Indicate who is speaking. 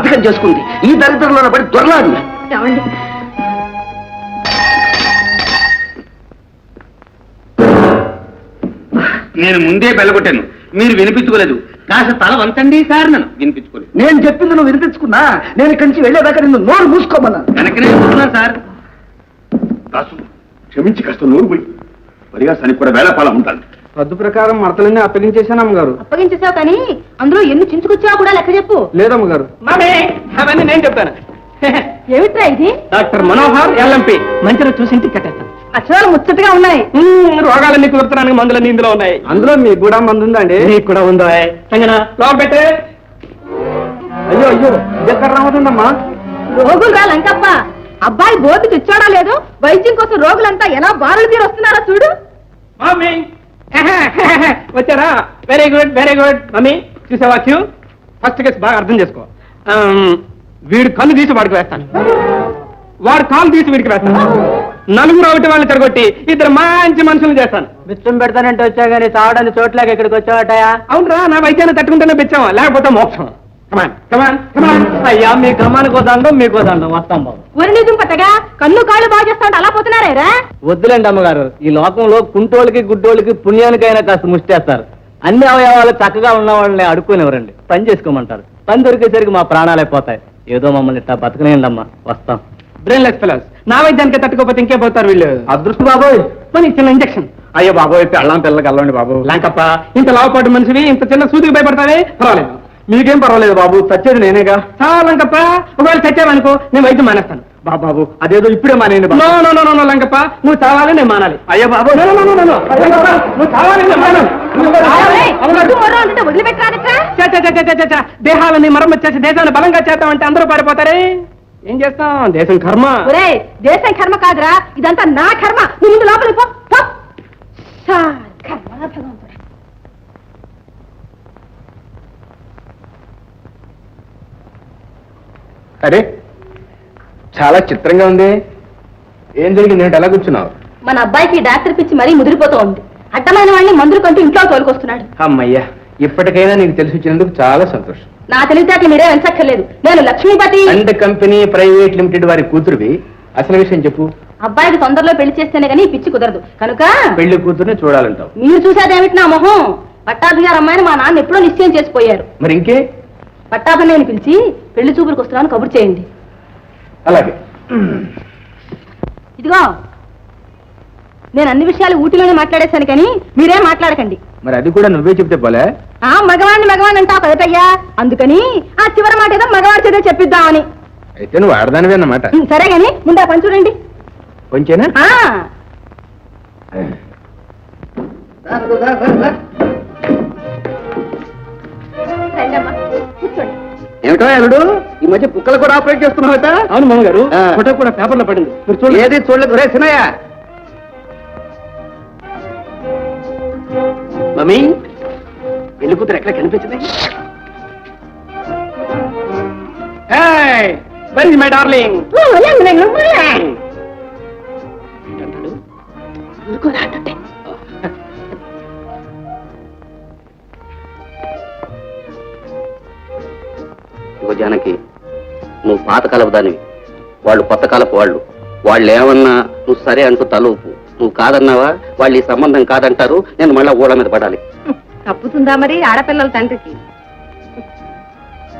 Speaker 1: సంతకం చేసుకుంది. ఈ దరిద్రంలో పడి దొరలాడు.
Speaker 2: నేను ముందే బెల్లగొట్టాను, మీరు వినిపించుకోలేదు. కాస్త తల వంచండి సార్. నన్ను వినిపించుకోలేదు.
Speaker 1: నేను చెప్పింది నువ్వు వినిపించుకున్నా. నేను ఇక్కడి నుంచి వెళ్ళేదాకా నిన్ను నోరు మూసుకోమన్నాను.
Speaker 2: వెనకనే చూస్తున్నాను సార్.
Speaker 3: దాసు క్షమించి కాస్త నోరు పోయి మరిగా సని కూడా వేళపాల ఉంటాను.
Speaker 4: పద్దు ప్రకారం మడతలన్నీ అప్పగించేశాను అమ్మగారు.
Speaker 5: అప్పగించేసావు కానీ అందులో ఎన్ని చించుకొచ్చావు కూడా లెక్క చెప్పు.
Speaker 4: లేదమ్మగారు.
Speaker 2: అవన్నీ నేను చెప్తాను.
Speaker 5: ఏమిట్రా ఇది?
Speaker 2: Doctor Manohar LMP. మంచిగా చూసి ఇంటికి కట్టేస్తాను.
Speaker 5: అక్షరాలు ముచ్చటగా ఉన్నాయి.
Speaker 2: రోగాలన్నీ కుదురుతున్నాను, మందులన్నీ ఇందులో ఉన్నాయి.
Speaker 4: అందులో మీకు కూడా మందు ఉందండి?
Speaker 2: నీకు కూడా ఉందో లోపల పెట్టే.
Speaker 4: అయ్యో అయ్యో ఇది ఎక్కడ రావుతుందమ్మా?
Speaker 5: రోగులు రా లంకప్ప. అబ్బాయి బోర్డు తెచ్చాడా లేదు, వైద్యం కోసం రోగులంతా ఎలా బారులు తీరు వస్తున్నారో చూడు.
Speaker 2: మమ్మీ వచ్చారా? Very good very good. Mummy చూసావా? ఫస్ట్ కేసు బాగా అర్థం చేసుకో. వీడు కళ్ళు తీసి వాడికి వేస్తాను, వాడు కాలు తీసి వీడికి వేస్తాను. నలుగురు ఒకటి వాళ్ళని తిరగొట్టి ఇద్దరు మంచి మనుషులు చేస్తాను.
Speaker 4: బిచ్చం పెడతానంటే వచ్చా గానీ తాగడానికి చోట్లకి ఇక్కడికి వచ్చావటయా?
Speaker 2: అవునరా, నా వైద్యాన్ని తట్టుకుంటేనే బిచ్చాం, లేకపోతే మోక్షం. కమాన్ కమాన్ కమాన్.
Speaker 4: అయ్యా మీ క్రమానికి వద్దాం, మీకు వద్దాం. వస్తాం బాబు.
Speaker 5: ఒరి నిజం పట్టగా కన్ను కాళ్ళు బాగా చేస్తా అలా పోతున్నారేరా?
Speaker 4: వద్దులేండి అమ్మగారు. ఈ లోకంలో కుంటోళ్ళకి గుడ్డోళ్ళకి పుణ్యానికైనా కాస్త ముష్టేస్తారు. అన్ని అవయవాలు చక్కగా ఉన్న వాళ్ళని అడుక్కునేవరండి. పని చేసుకోమంటారు. పని దొరికేసరికి మా ప్రాణాలే పోతాయి. ఏదో మమ్మల్ని ఇట్లా బతకనేయండి అమ్మా. వస్తాం.
Speaker 2: Brainless fellows. నా వైద్యానికి తట్టుకోకపోతే ఇంకే పోతారు వీళ్ళు.
Speaker 4: అదృష్టం బాబోయ్.
Speaker 2: మరి చిన్న ఇంజక్షన్.
Speaker 4: అయ్యో బాబోయ్, పెళ్ళాం పిల్లలకి వెళ్ళండి బాబు.
Speaker 2: లాంకప్ప, ఇంత లావుపాటు మనిషివి ఇంత చిన్న సూదికి భయపడతావే? పర్వాలేదు.
Speaker 4: మీకేం పర్వాలేదు బాబు, చచ్చేది నేనేగా.
Speaker 2: చాలా లంకప్ప, ఒకవేళ చచ్చావనుకో నేను వైద్యం మానేస్తాను.
Speaker 4: బాబు అదేదో ఇప్పుడే మానేయండి బాబు.
Speaker 2: నో లంకప్ప, నువ్వు చావాలి నేను మానాలి.
Speaker 4: అయ్యో బాబు
Speaker 2: నువ్వు చావాలి నేను మానాలి.
Speaker 5: వదిలిపెట్టరా?
Speaker 2: దేహాలని మరమ్మతు చేసి దేశాన్ని బలంగా చేద్దామంటే అందరూ పారిపోతారే. ఏం చేస్తాం? దేశం కర్మ.
Speaker 5: ఒరే దేశం కర్మ కాదురా, ఇదంతా నా కర్మ. నువ్వు ముందు లోపలికి పో. కర్మ భగవంతుడా.
Speaker 4: అరే చాలా చిత్రంగా ఉంది. ఏం జరిగింది? ఏంటి ఎలా కూర్చున్నావు?
Speaker 5: మన అబ్బాయికి డాక్టర్ పిచ్చి మరీ ముదిరిపోతూ ఉంది. అడ్డమైన వాడిని మందులు కంటూ ఇంట్లో తోలుకొస్తున్నాడు.
Speaker 4: అమ్మయ్యా, ఇప్పటికైనా నీకు తెలిసి వచ్చినందుకు చాలా సంతోషం.
Speaker 5: నా తెలివితేటలు మీరే వెంచక్కర్లేదు. నేను Lakshmipati
Speaker 4: and company private limited వారి కూతురువి. అసలు విషయం చెప్పు.
Speaker 5: అబ్బాయికి తొందరలో పెళ్లి చేస్తేనే గానీ పిచ్చి కుదరదు కనుక
Speaker 4: పెళ్లి కూతురుని చూడాలంటావు.
Speaker 5: మీరు చూసేదేమిటి నా మొహం? పట్టాభి గారు అమ్మాయిని మా నాన్న ఎప్పుడో నిశ్చయం చేసిపోయారు.
Speaker 4: మరి ఇంకే?
Speaker 5: పట్టాభి నేను పిలిచి పెళ్లి చూపులకు వస్తున్నాను కబురు చేయండి.
Speaker 4: అలాగే.
Speaker 5: ఇదిగో నేను అన్ని విషయాలు ఊటీలోనే మాట్లాడేశాను కానీ మీరేం మాట్లాడకండి.
Speaker 4: మరి అది కూడా నువ్వే చెప్తే పోలే.
Speaker 5: మగవాణ్ణి అంటావు కదటయ్యా, అందుకని ఆ చివరి మాట ఏదో మగవాడి చేత చెప్పిద్దామని.
Speaker 4: అయితే నువ్వు ఆడదానివే అన్నమాట.
Speaker 5: సరే గాని ముందు ఆ పని చూడండి.
Speaker 4: కొంచెనా?
Speaker 5: కూర్చోండి.
Speaker 1: ఏమిటో అల్లుడు, ఈ మధ్య కుక్కలు కూడా ఆపరేట్ చేస్తున్నావట?
Speaker 2: అవును మామగారు, ఫోటో కూడా పేపర్లో పడింది. మీరు చూడండి.
Speaker 1: ఏది చూడలేదు. రే సినయ్య, మమ్మీ పెళ్లి కూతురు ఎక్కడ కనిపించింది?
Speaker 2: Very my darling.
Speaker 1: జానకి, నువ్వు పాతకాలపు దానివి, వాళ్ళు కొత్త కాలపు వాళ్ళు ఏమన్నా నువ్వు సరే అంటూ తలూపు. నువ్వు కాదన్నావా వాళ్ళు ఈ సంబంధం కాదంటారు. నేను మళ్ళా ఊళ్ళ మీద పడాలి.
Speaker 5: తప్పుతుందా మరి ఆడపిల్లల తండ్రికి?